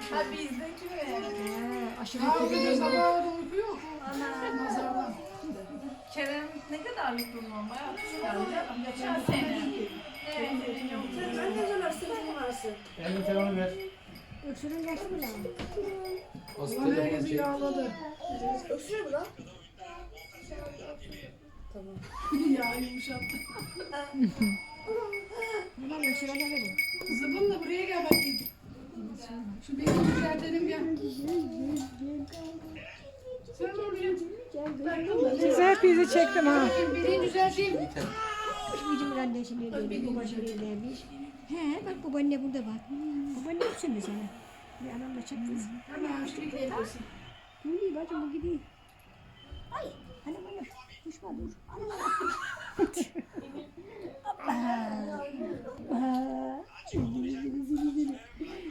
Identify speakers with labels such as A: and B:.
A: Ha bizdeki mi?
B: Aşırı
C: Abi sabah da uykuyor. Nazardan.
A: Kerem ne kadarlık bundan? Bayağı küçük canım. Geçen sene. Evet, senin yok.
D: Sen ne zaman sevgili varsın?
E: Elini telefonu ver.
B: öksürün yaşı mı lan?
E: O
C: Ulan
E: telefonu
C: herkesi
E: çek.
C: yağladı.
D: Öksürüyor mu lan?
C: Ya yumuşattı.
B: Hemen öksürene verin.
C: Zıbınla buraya gel bakayım. Şu beni düzeltelim gel. Sen oraya.
F: Sizi hepinizi çektim ha.
C: Beni düzelteyim.
B: Bizim annesine demiş, babasına demiş. He bak babaanne burada bak. Babaanne öksürdü sana. Bir anam da çaktı.
C: Hemen hoşçakalın diyebilirsin.
B: Dur iyi bacım bu gidiyor. Ay anam anam. Düşme dur. Anam anam. Hoppa. Hoppa.